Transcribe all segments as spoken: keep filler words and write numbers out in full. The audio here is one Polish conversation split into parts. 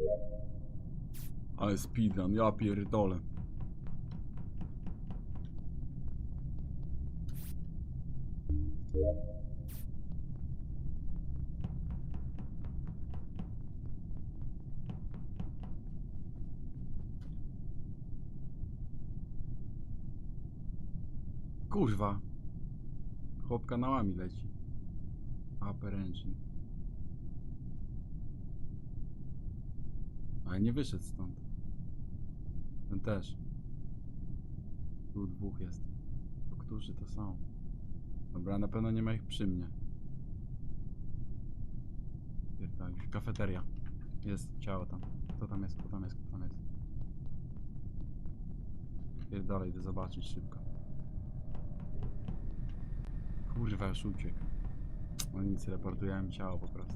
Ale speedrun, ja pierdolę. Kurwa. Chłop kanałami leci. Upper engine. Ale nie wyszedł stąd. Ten też. Tu dwóch jest. To którzy to są? Dobra, na pewno nie ma ich przy mnie. Pierdolę. Kafeteria. Jest ciało tam. Kto tam jest? Kto tam jest? Kto tam jest? Pierdolę, idę zobaczyć szybko. Kurwa, już uciekł. No nic, reportujemy ciało po prostu.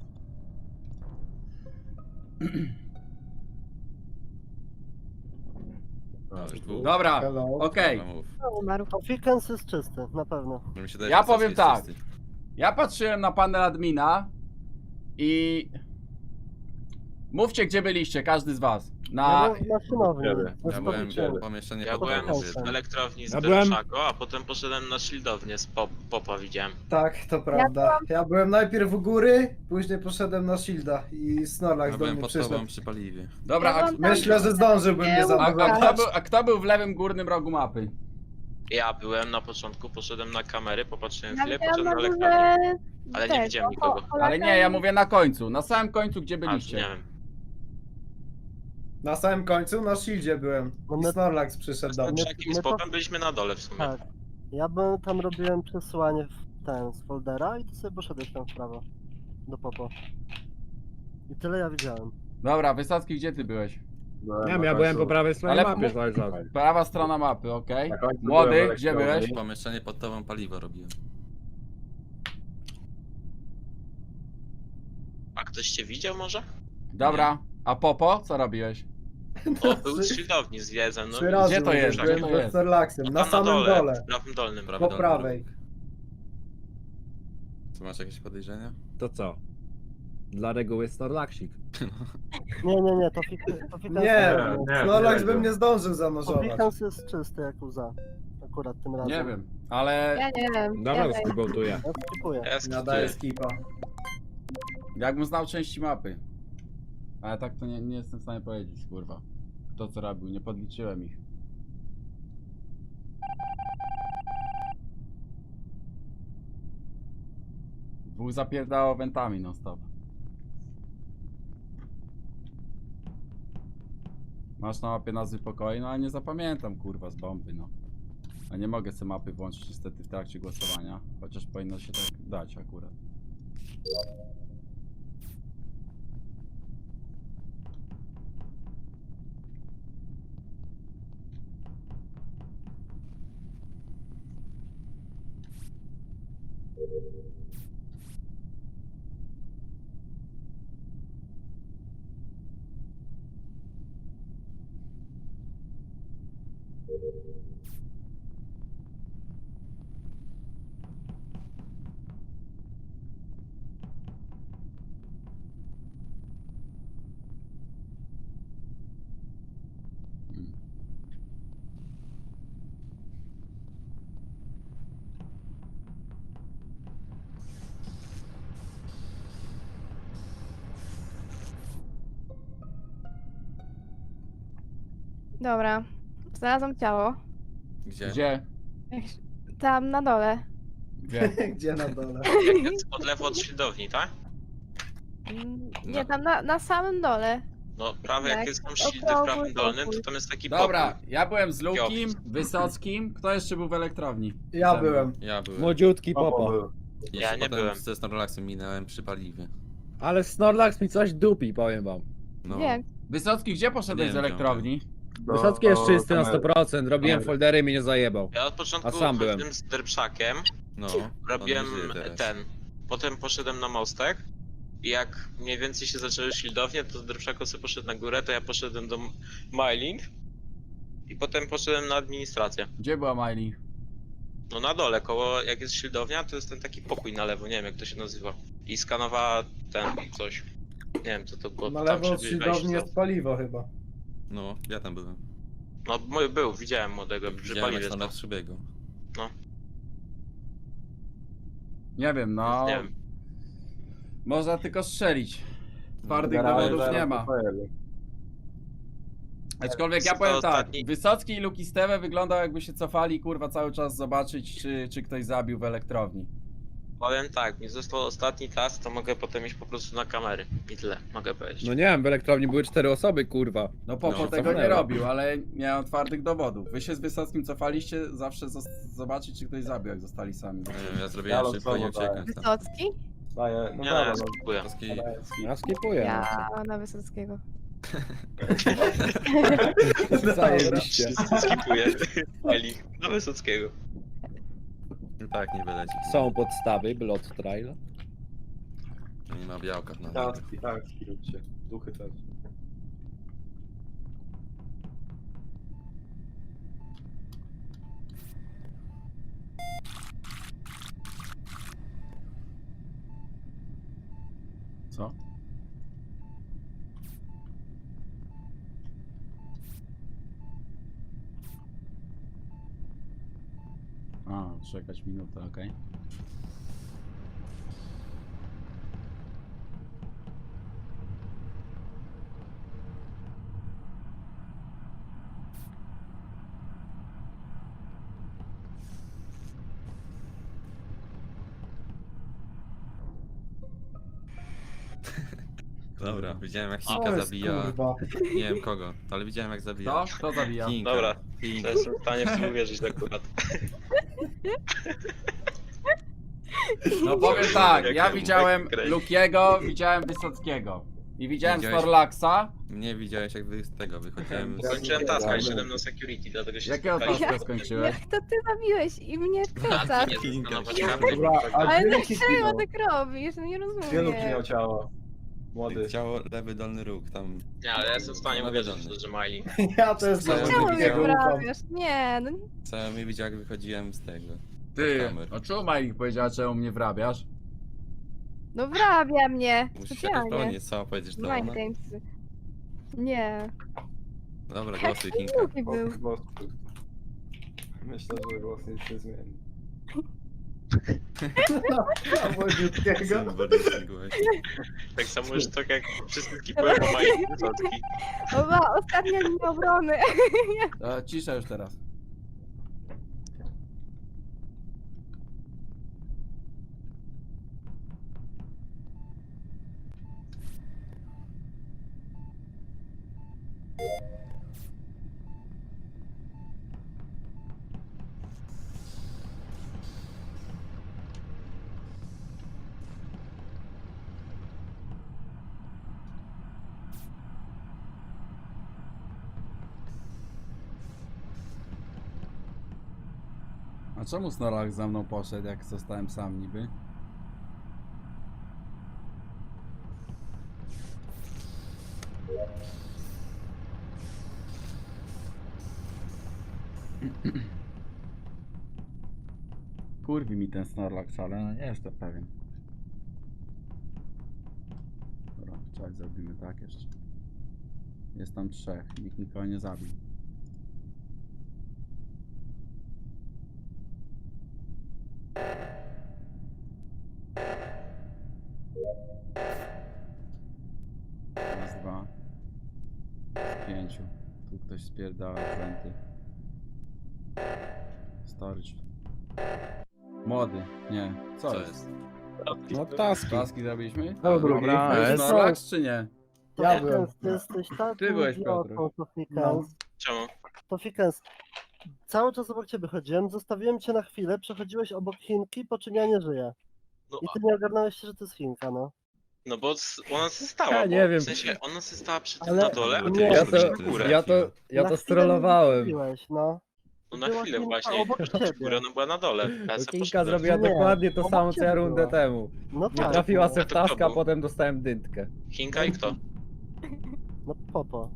Dobra, okej. Dobra, mów. No, umarł. Fikens jest czysty, na pewno. No mi się wydaje, Ja że Wysocki powiem jest tak. czysty. Ja patrzyłem na panel admina i... Mówcie, gdzie byliście, każdy z was. Ja Na... byłem w maszynowni. Ja ze byłem Stolicem. w pomieszczeniu Ja pod byłem domem w jednym. w elektrowni z Ja byłem- Berczako, a potem poszedłem na shieldownię z pop popa widziałem. Tak, to prawda. Ja byłem najpierw u góry, później poszedłem na Shielda i Snorlax Ja do byłem mnie pod przyszedł. tobą przy paliwie. Dobra, a, Ja byłam tam- Myślę, że zdążyłbym mnie a, a, zaatakować. kto był, a kto był w lewym górnym rogu mapy? Ja byłem na początku, poszedłem na kamery, popatrzyłem Ja chwilę, widziałam poszedłem na na elektrownię. górze... Ale nie tego, widziałem nikogo. Ho- Ale nie, ja mówię na końcu. Na samym końcu, gdzie A, byliście. nie wiem. Na samym końcu na Shieldzie byłem No i my- Snorlax przyszedł do Z mnie. Berczakiem i my z to- popem byliśmy na dole w sumie. Tak. Ja byłem, tam robiłem przesyłanie w ten, z foldera i ty sobie poszedłeś tam w prawo. Do popo. I tyle ja widziałem. Dobra, Wysocki, gdzie ty byłeś? Nie wiem, ja byłem po prawej stronie Ale- mapy cały czas. Prawa strona mapy, okej. Na końcu Młody, byłem w gdzie elektrowni. byłeś? Pomieszczenie pod tobą paliwo robiłem. A ktoś cię widział może? Dobra, a Popo, co robiłeś? O, był z shieldowni z wiedzem, no Trzy razy Gdzie to jest? byłem Gdzie to ze jest? Snorlaxem, no na tam samym dole, dole, w prawym dolnym. Prawy po dolny prawej. Co, masz jakieś podejrzenia? To co? Dla reguły Snorlaxik. Nie, nie, nie, to Fikens to Fikens Nie, nie, Snorlax nie, bym nie. nie zdążył to zanurzować. Fikens jest czysty jak łza. Akurat tym razem. Nie wiem, ale Ja nie wiem. Dobra, ja wiem. skrybotuję. Ja skipuję. Ja Nadaję skipuję. skipa. jakbym znał części mapy. Ale tak to nie, nie jestem w stanie powiedzieć, kurwa. Kto co robił, nie podliczyłem ich. Dwóch zapierdało wentami non stop. Masz na mapie nazwy pokoi, no ale nie zapamiętam kurwa z bomby, no. A nie mogę sobie mapy włączyć niestety w trakcie głosowania, chociaż powinno się tak dać akurat. Mm. Dobra. Znalazłam ciało. Gdzie? Gdzie? Tam na dole. Gdzie? Gdzie na dole? Jak jest od lewo od shieldowni, tak? Mm, No. Nie, tam na, na samym dole. No prawie Tak, jak jest tam shieldy w okrągły prawym dolnym, to pokój. tam jest taki Dobra, pokój. ja byłem z Lukim, Opis. Wysockim. Kto jeszcze był w elektrowni? Ja Ze mną. byłem. Ja byłem. Młodziutki Popo popo. był. I Ja się nie potem byłem. ze Snorlaxem minąłem przy paliwie. Ale Snorlax mi coś dupi, powiem wam. No. Wiem. Wysocki, gdzie poszedłeś Nie z wiem, elektrowni? Do- Wysocki jest do czysty na kamery. sto procent, robiłem Kamery. foldery i mnie nie zajebał. Ja od początku A sam byłem. chodziłem z Derpszakiem, No. robiłem on nie żyje teraz. ten, potem poszedłem na mostek i jak mniej więcej się zaczęły shieldownie, to Derpszako sobie poszedł na górę, to ja poszedłem do Mailing i potem poszedłem na administrację. Gdzie była Miley? No na dole, koło jak jest shieldownia, to jest ten taki pokój na lewo, nie wiem jak to się nazywa. I skanowała ten coś. Nie wiem co to było, Na tam lewo od przebiegłeś siłowni za- jest paliwo chyba. No, ja tam byłem. No mój był, widziałem młodego, przy Widziałem jak paliwie Snorlax stał. przebiegł. Nie wiem, no. Nie wiem. Można tylko strzelić. Twardych Generalnie dowodów zaraz nie ma. to pojedzie. Aczkolwiek ja To powiem tak, ostatni- Wysocki i Luki Steve wyglądał jakby się cofali, kurwa, cały czas zobaczyć, czy, czy ktoś zabił w elektrowni. Powiem tak, mi został ostatni task, to mogę potem iść po prostu na kamery. I tyle, mogę powiedzieć. No nie wiem, w elektrowni były cztery osoby, kurwa. No Popo No, tego nie cofnęła. robił, ale nie mam twardych dowodów. Wy się z Wysockim cofaliście zawsze zos- zobaczyć, czy ktoś zabił, jak zostali sami. Nie wiem, ja Ja zrobiłem szybko i losowo uciekłem dałem. tam. Wysocki? Daję, no Nie, dobra, no, no. skipuję. Polski... daję skip. Ja skipuję. Ja na Wysockiego. No. Zajebiście. Skipuję. Eli, do Wysockiego. No tak, nie wyleci. Są podstawy, Blood Trail. Nie ma białka na Taski, taski róbcie. Duchy też. Co? A, czekać minutę, okej. Dobra, widziałem jak Co Hinka jest, zabija. kurwa? Nie wiem kogo, ale widziałem jak zabija. Co? Kto zabija? Hinka. Dobra, To Hinka. jestem w stanie w to uwierzyć akurat. No powiem tak, Jak ja jak widziałem Grey. Lukiego, widziałem Wysockiego. I widziałem Widziałeś- Snorlaxa. Mnie widziałeś jak wy z tego wychodziłem z... Kończyłem taska i szedłem na security, dlatego się Jakiego spotkaliśmy. taska skończyłeś? Jak to ty zabiłeś i mnie A, wkręcasz? ty nie Hinka. zastanawiać Ja- karty, Dobra, a Ale gdzie Luki dlaczego zginął? tak robisz? No nie Gdzie Luki rozumiem. miał ciało? Młody. Ciało, lewy dolny róg, tam... Nie, ale ja jestem w stanie No uwierzyć, wiadomo. że Miley. Ja też Co? na Czemu mnie Lukiego ufam. wprawiasz? Nie, no Co mi widział jak wychodziłem z tego. Ty, kamer. a czemu Majlik powiedziała, czemu mnie wrabiasz? No wrabia mnie. Musisz jakoś Specjalnie. powiedzieć, co powiedzieć, że to Mind ona? games. Nie. Dobra, głosuj Hinka. Luki był. Głos- głos. Myślę, że głos nic nie zmieni. A młodziutkiego? Symboliczny głos. Tak samo już tak jak wszyscy skipują po Miley Wysocki. O, ma ostatnia linia obrony. E, cisza już teraz. A czemu Snorlax za mną poszedł, jak zostałem sam niby? Kurwi mi ten Snorlax, ale no nie jestem pewien. Dobra, czekaj, zrobimy tak jeszcze. Jest tam trzech, nikt nikogo nie zabił. Raz, dwa. Z pięciu. Tu ktoś spierdala wenty. Storage. Młody. Nie. Co, Co jest? jest? No taski. Taski zrobiliśmy? To drugi. Dobra, To jest jest- Snorlax czy nie? Ja byłem. Tofikens, ty jesteś tak Ty byłeś, idiotą, Piotr. Tofikens. Czemu? Tofikens. Cały czas obok ciebie chodziłem, zostawiłem cię na chwilę, przechodziłeś obok Chinki, po czym ja nie żyję. No, I ty nie ogarnąłeś się, że to jest Chinka, no. no bo s- ona się stała, Ja bo, nie wiem. w sensie ona się stała przy tym Ale- na dole, a ty nie. Ja poszedłeś to, na górę. ja to, ja Na to chwilę strollowałem. mnie zostawiłeś, no. No na była chwilę Chinka właśnie, obok poszła przy ciebie. górę, ona była na dole. Ja se Kinka poszedłem. zrobiła Nie, dokładnie to obok samo co ja ciebie rundę była. temu. No Nie tak. trafiła no. se w A to kto taska, a był? potem dostałem dyntkę. Chinka i kto? No popo.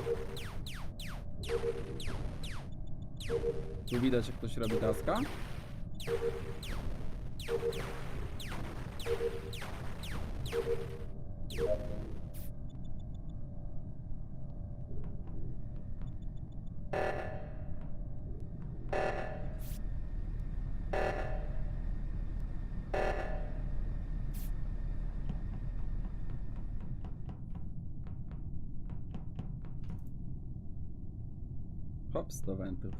Tu widać, jak ktoś robi taska? Hops do wentów.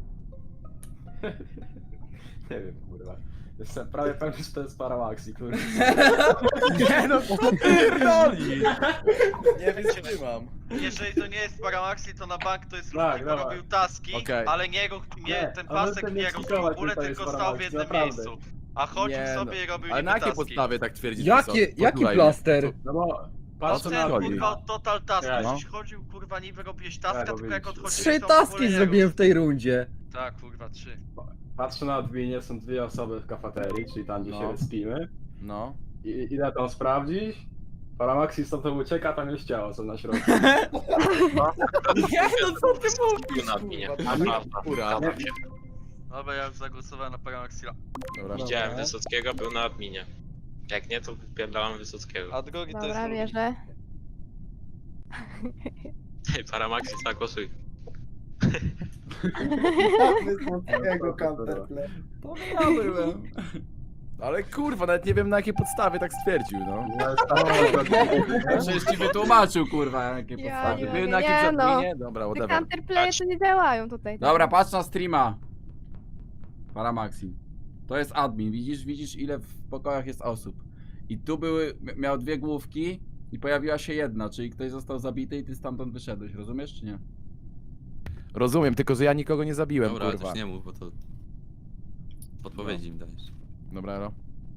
Nie wiem, kurwa. Jestem prawie pewny, że to jest Paramaxi, kurwa. Nie no, co ty pierdolisz? Nie wytrzymam. Jeżeli to nie jest Paramaxi, to na bank to jest Tak, Luki, bo dawaj. robił taski, Okej. ale nie, ruch- nie Nie, ten on pasek chce nie mnie robił w skikować, ogóle, że to jest tylko stał w Paramaxi, jednym naprawdę. miejscu. A chodził Nie sobie no. i robił Ale niby na jakiej taski. podstawie tak twierdzisz? Jakie, Wysocki? jaki Podlej. plaster? No bo... No Patrz na ten chodzi? kurwa total task, No. żeś chodził kurwa niby robiłeś taska, Tak, tylko jak robiliście. odchodziłeś Trzy to w ogóle taski nie zrobiłem rób. w tej rundzie. Tak kurwa, trzy. Patrzę na adminie, są dwie osoby w kafeterii, czyli tam gdzie No. się respimy. No. I ile tam sprawdzić? Paramaxi stąd ucieka, tam jest ciało, co na środku. Nie no co ty Był na adminie. kurwa? Prawda. Kurwa. Zgadzam się. Dobra, ja już zagłosowałem na Paramaxila. Dobra. Widziałem Wysockiego, był na adminie. Jak nie, to wypierdałam Wysockiego. A drugi to jest Dobra, Luki. bierze. Ej, Paramaxi, zagłosuj. Wysockiego counterplay. To ja byłem. Ale kurwa, nawet nie wiem na jakiej podstawie tak stwierdził, no. Przecież ci wytłumaczył, kurwa, na jakiej Ja podstawie. nie Był wiem, na jakimś nie no. adminie? Dobra, Te whatever. counterplaye to nie działają tutaj. Dobra, patrz na streama. Paramaxi. To jest admin, widzisz, widzisz ile w pokojach jest osób. I tu były, miał dwie główki i pojawiła się jedna, czyli ktoś został zabity i ty stamtąd wyszedłeś, rozumiesz czy nie? Rozumiem, tylko że ja nikogo nie zabiłem, Dobra, ale kurwa. też nie mów, bo to... Podpowiedzi im dajesz. Dobra, no.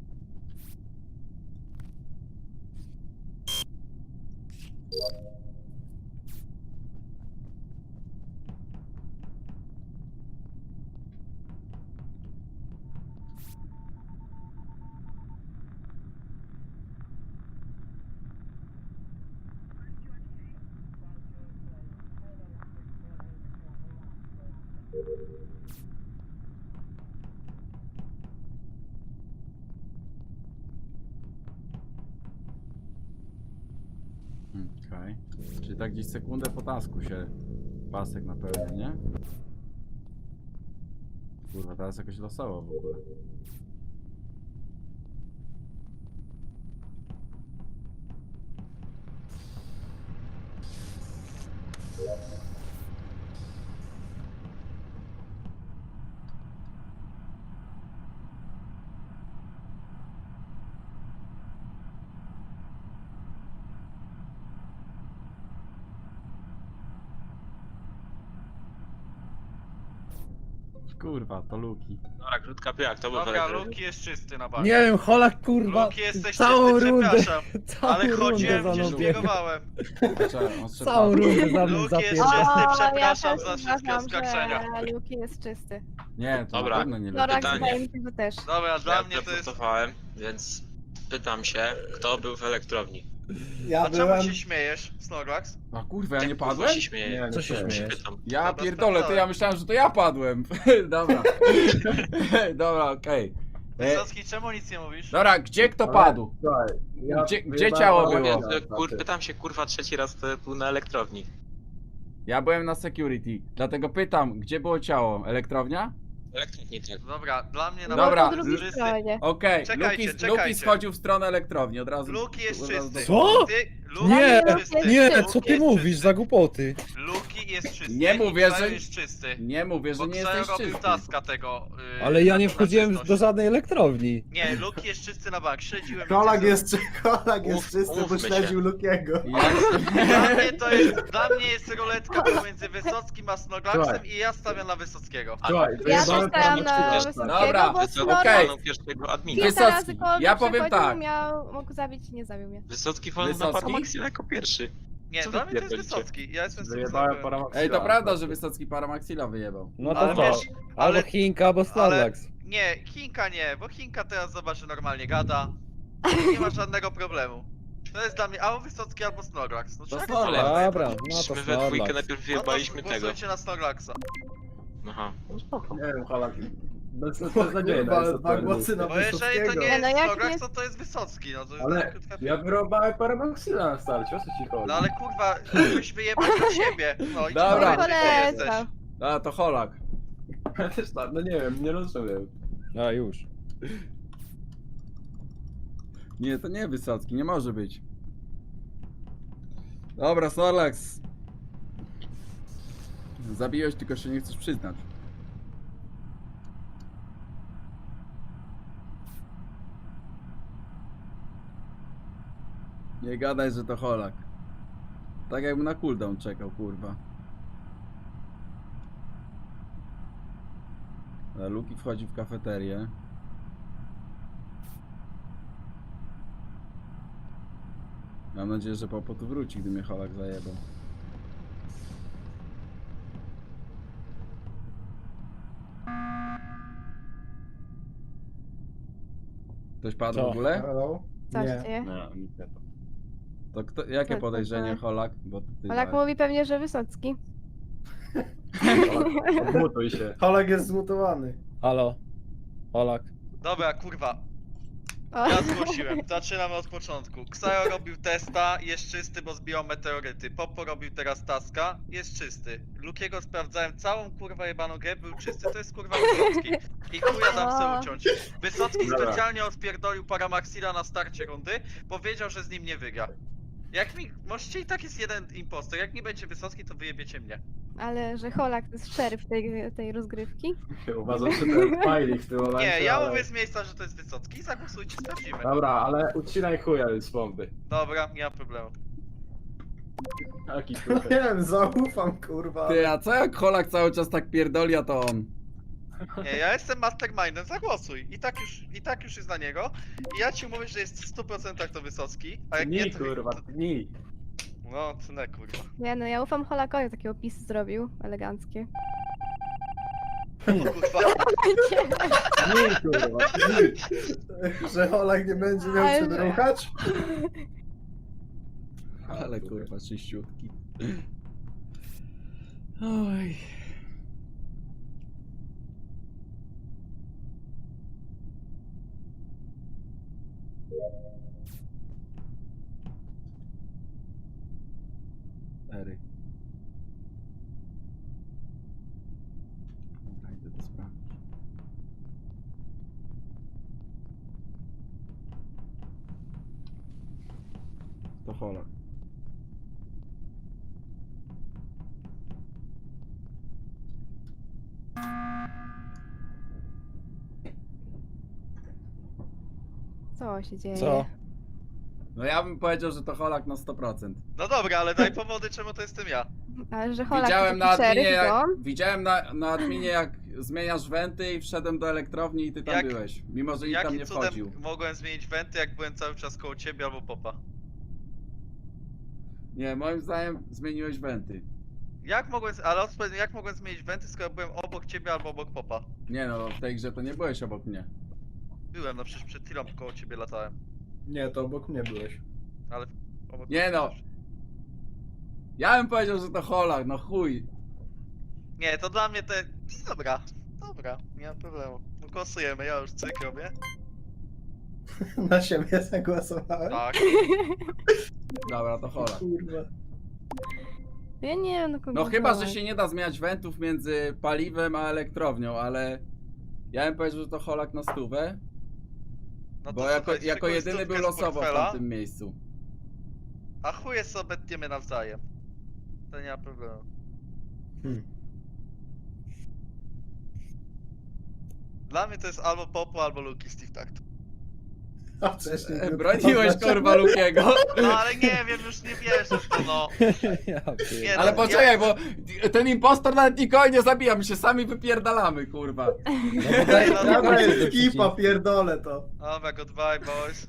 Okej. Czyli tak gdzieś sekundę po tasku się pasek napełnia, nie? Kurwa, teraz jakoś losowo w ogóle. Kurwa, to Luki. Dobra, krótka piłka, to był Dobra, Welegrody. Luki jest czysty na bank. Nie wiem, Holak kurwa, Luki jesteś całą czysty, rundę, przepraszam. całą Ale rundę chodziłem, za gdzieś mną biegał. biegowałem. Czekaj, on strzela- Całą rundę za mną Luki jest zapierdał. czysty, O, przepraszam ja za też wszystkie uważam, oskarżenia. że Luki jest czysty. Nie, to Dobra. na pewno nie No rak Pytanie. wydaje mi się, że też. Dobra, dla Ja mnie to jest... zagłosowałem, więc pytam się, kto był w elektrowni? Ja A czemu byłem... się śmiejesz, Snorlax? A kurwa, ja nie kurwa padłem? się śmieje. Nie, Co się nie. Się śmiejesz? pytam. Ja Dobra, pierdolę, to ja sprawdzałem. myślałem, że to ja padłem. Dobra. Dobra, okej. E, Wysocki, czemu nic nie mówisz? Dobra, gdzie kto Ale- padł? Słuchaj, ja Gdzie- gdzie wyjebałem ciało Paramaxi, było? Ja, znaczy. kur, pytam się kurwa trzeci raz, kto był na elektrowni. Ja byłem na security, dlatego pytam, gdzie było ciało? Elektrownia? Elektrowni tak. Dobra, dla mnie na Dobra, bank Po jest drugiej czysty. stronie. Okej, Czekajcie, Luki, czekajcie. Luki schodził w stronę elektrowni, od razu... Luki jest od razu czysty. Co? Ty, Luki Nie, jest czysty. Nie, Luki co ty jest mówisz czysty. za głupoty? Luki jest czysty. Nie mówię, Xayo że- jest czysty. Nie mówię, że Bo nie Xayo jesteś robił czysty. taska tego. Yy, Ale ja nie na wchodziłem czystość. do żadnej elektrowni. Nie, Luki jest czysty na bank. Śledziłem. Kolak widzę, jest, kolak jest Mów- czysty, bo mówmy się. śledził Lukiego. Ja... Dla mnie to jest, dla mnie jest ruletka pomiędzy Wysockim a Snoglaxem Słuchaj. i ja stawiam na Wysockiego. Słuchaj, Ja też wyjebałem stałam na Paramaxi. Wysockiego, Dobra, bo Wysocki okej. walnął pierwszego admina. Wysocki, kilka razy koło mnie ja powiem przechodził, tak. Miał, mógł zabić, nie zabił mnie. Wysocki walnął na Wysocki? Paramaxila jako pierwszy. Nie, Co dla wy mnie to jest pierdolicie? Wysocki. Ja jestem z tym Wyjebałem znajomym. Paramaxi. Ej, to prawda, że Wysocki Paramaxila wyjebał. No to Ale co? wiesz, Albo ale- Chinka, albo Starlax. Nie, Chinka nie, bo Chinka teraz zobacz, że normalnie gada. Nie ma żadnego problemu. To jest dla mnie albo Wysocki, albo Snoglax. No To czego Snorlax. to Dobra, no to My we dwójkę Starlax. najpierw No to wyjebaliśmy tego. głosujcie na Snoglaxa. Aha. No spoko. Nie wiem, Halak. Bez, O beznadziejna kurwa, jest ale dwa odpowiedź. głosy na Bo jeżeli to Wysockiego. nie Nie, no jest jak Slogax, nie- to to jest Wysocki, no to jest Ale krótka ja wyrobałem Paramaxila na starcie, o co ci chodzi? No ale kurwa, mógłbyś wyjebać do siebie. No i ci Dobra. powiem, że nie jesteś. Polecam. A, to Holak. Ja też tak, no nie wiem, nie rozumiem. A już. Nie, to nie Wysocki, nie może być. Dobra, Snorlax. Zabiłeś, tylko się nie chcesz przyznać. Nie gadaj, że to Holak. Tak jakby na cooldown czekał, kurwa. A Luki wchodzi w kafeterię. Mam nadzieję, że Popo tu wróci, gdy mnie Holak zajebał. Ktoś padł Co? w ogóle? Hello? Co się Nie. dzieje? No, nic nie to. To kto, jakie Co- co- podejrzenie co? Holak? Bo ty Polak dałeś. mówi pewnie, że Wysocki. Odmutuj się. Holek jest zmutowany. Halo? Polak? Dobra, kurwa. O. Ja zgłosiłem. Zaczynamy od początku. Ksajo robił testa, jest czysty, bo zbijał meteoryty. Popo robił teraz taska, jest czysty. Lukiego sprawdzałem całą kurwa jebaną grę, był czysty, to jest kurwa Wysocki. I chuja dam se O. uciąć. Wysocki Dobra. specjalnie odpierdolił Paramaxila na starcie rundy, powiedział, że z nim nie wygra. Jak mi... Możecie i tak jest jeden impostor, jak nie będzie Wysocki, to wyjebiecie mnie. Ale że Holak to jest szeryf tej, tej rozgrywki. Uważam, że to jest Smiley w tym momencie. Nie, ja ale- mówię z miejsca, że to jest Wysocki i zagłosujcie, sprawdzimy. Dobra, ale ucinaj chuja z bomby. Dobra, nie ma problemu. Jaki No chuj. nie wiem, zaufam kurwa. Ty, a co jak Holak cały czas tak pierdoli, a to on? Nie, ja jestem mastermindem, zagłosuj. I tak już, i tak już jest na niego. I ja ci mówię, że jest w stu procentach to Wysocki, a jak nie Ni to... kurwa, ni. No, to nie kurwa. Nie no, ja ufam Holakowi, taki opis zrobił, eleganckie. O kurwa. Ni kurwa, ni. Że Holek nie będzie miał Ale- czym ruchać? Ale kurwa, czyściutki. Oj. Ery. Dobra, idę to sprawdzić. To Holak. Co się dzieje? Co? No ja bym powiedział, że to Holak na sto procent. No dobra, ale daj powody, czemu to jestem ja. Ale że Holak Widziałem to na taki adminie, szeryf, to jak, on? widziałem na, na adminie jak zmieniasz wenty i wszedłem do elektrowni i ty tam Jak- byłeś. Mimo, że nikt tam Jakim nie cudem wchodził. mogłem zmienić wenty, jak byłem cały czas koło ciebie albo popa? Nie, moim zdaniem zmieniłeś wenty. Jak mogłem, ale odpowiedz, jak mogłem zmienić wenty, skoro byłem obok ciebie albo obok popa? Nie no, w tej grze to nie byłeś obok mnie. Byłem, no przecież przed chwilą koło ciebie latałem. Nie, to obok mnie byłeś. Ale obok Nie no. Ja bym powiedział, że to Holak, no chuj. Nie, to dla mnie to... Dobra, dobra, nie ma problemu. No głosujemy, ja już cyk robię. Na siebie zagłosowałem? Tak. Dobra, to Holak. Kurwa. Ja nie wiem, no kogo No chyba, że Holak. się nie da zmieniać wentów między paliwem a elektrownią, ale... Ja bym powiedział, że to Holak na stówę, No bo to jako, słuchaj, jako szykuj jedyny stówkę był z losowo w portfela, tamtym miejscu. A chuje sobie obetniemy nawzajem. To nie ma problemu. Hmm. Dla mnie to jest albo Popo, albo Luki Steve Takt. A wcześniej E, był- Broniłeś kurwa Lukiego. No ale nie wiem, już nie wierzę w to, no. Ja pier- Nie, Ale no, poczekaj, ja- bo ten impostor nawet nikogo nie zabija, my się sami wypierdalamy, kurwa. No bo daj, No, daj, Dobra, daj, jest daj, ekipa, pierdolę to. Dobra, goodbye boys.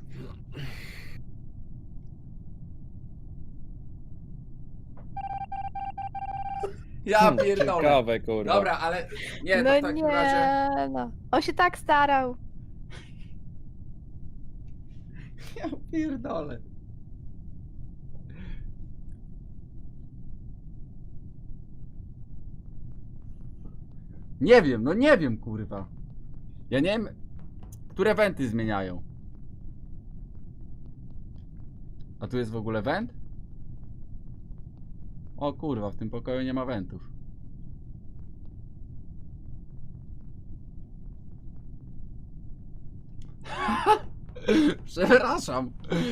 Ja Hmm, pierdolę. Ciekawe, kurwa. Dobra, ale nie, to No w takim nie, razie... no. On się tak starał. Ja pierdolę. Nie wiem, no nie wiem, kurwa. Ja nie wiem, które wenty zmieniają. A tu jest w ogóle went? O kurwa, w tym pokoju nie ma wentów. Przepraszam.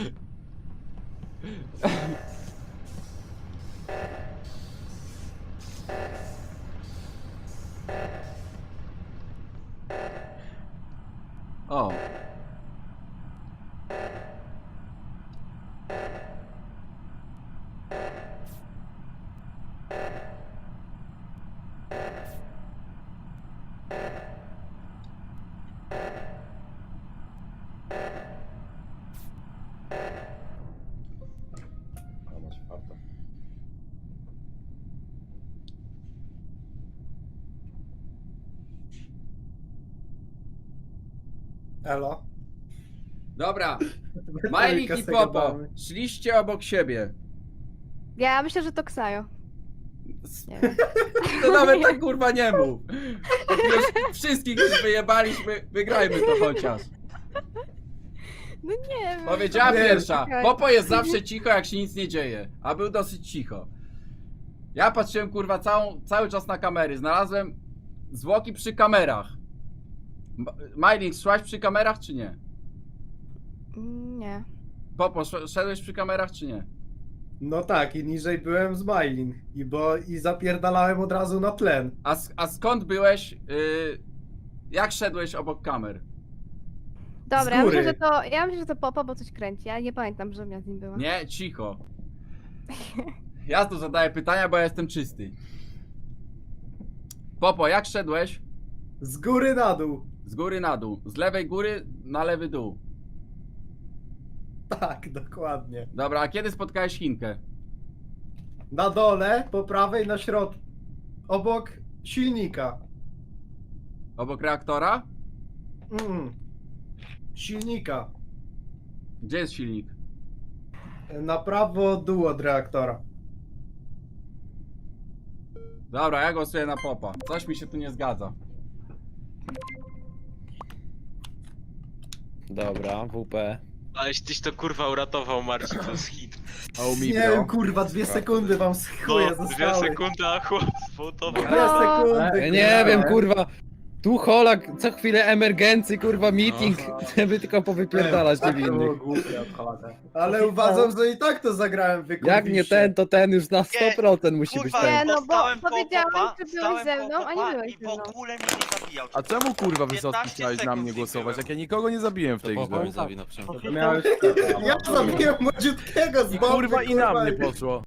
O. A masz farta. Elo. Dobra. Metalika Majlik i se Popo. gadamy. Szliście obok siebie. Ja myślę, że to Ksajo. S- Nie wiem. To nawet tak kurwa nie mów. Jak już wszystkich już wyjebaliśmy, wygrajmy to chociaż. No nie wiem. Powiedziała Nie, pierwsza. czekaj. Popo jest zawsze cicho, jak się nic nie dzieje. A był dosyć cicho. Ja patrzyłem kurwa całą, cały czas na kamery. Znalazłem zwłoki przy kamerach. M- Majlik, szłaś przy kamerach czy nie? Nie. Popo, sz- szedłeś przy kamerach czy nie? No tak, i niżej byłem z Mylin. I bo i zapierdalałem od razu na tlen. A, sk- a skąd byłeś? Yy, jak szedłeś obok kamer? Dobra, ja góry. myślę, że to. Ja myślę, że to Popo, bo coś kręci. Ja nie pamiętam, żebym ja z nim była. Nie, cicho. Ja tu zadaję pytania, bo ja jestem czysty. Popo, jak szedłeś? Z góry na dół. Z góry na dół. Z lewej góry na lewy dół. Tak, dokładnie. Dobra, a kiedy spotkałeś Chinkę? Na dole, po prawej, na środku. Obok silnika. Obok reaktora? Mm. Silnika. Gdzie jest silnik? Na prawo dół od reaktora. Dobra, ja głosuję na Popa. Coś mi się tu nie zgadza. Dobra, W P. Aleś tyś to kurwa uratował, Marcin, to jest hit. A u Nie Mibro? wiem, kurwa, dwie sekundy wam z chuja No, dwie zostały. sekundy, a chłopstwo to... Dwie No. sekundy. Ja nie wiem, kurwa. Tu Holak, co chwilę emergency, kurwa, meeting, żeby tylko powypierdalać Tak, to było niewinnych. głupie od Holaka. Ale uważam, że i tak to zagrałem wykurwiście. Jak nie ten, to ten już na sto procent musi być Kurwa, Nie, ten. no bo stałem koło powiedziałem, popa, czy byłeś stałem ze koło mną, a nie popa byłeś i ze w mną. ogóle mnie nie zabijał. A czemu kurwa Wysocki piętnaście chciałeś na sekund mnie z nim głosować, byłem. jak ja nikogo nie zabiłem w tej To grze? Popo zabi na przykład. No To miałeś... Ja zabiłem młodziutkiego z I boku, kurwa i na mnie poszło.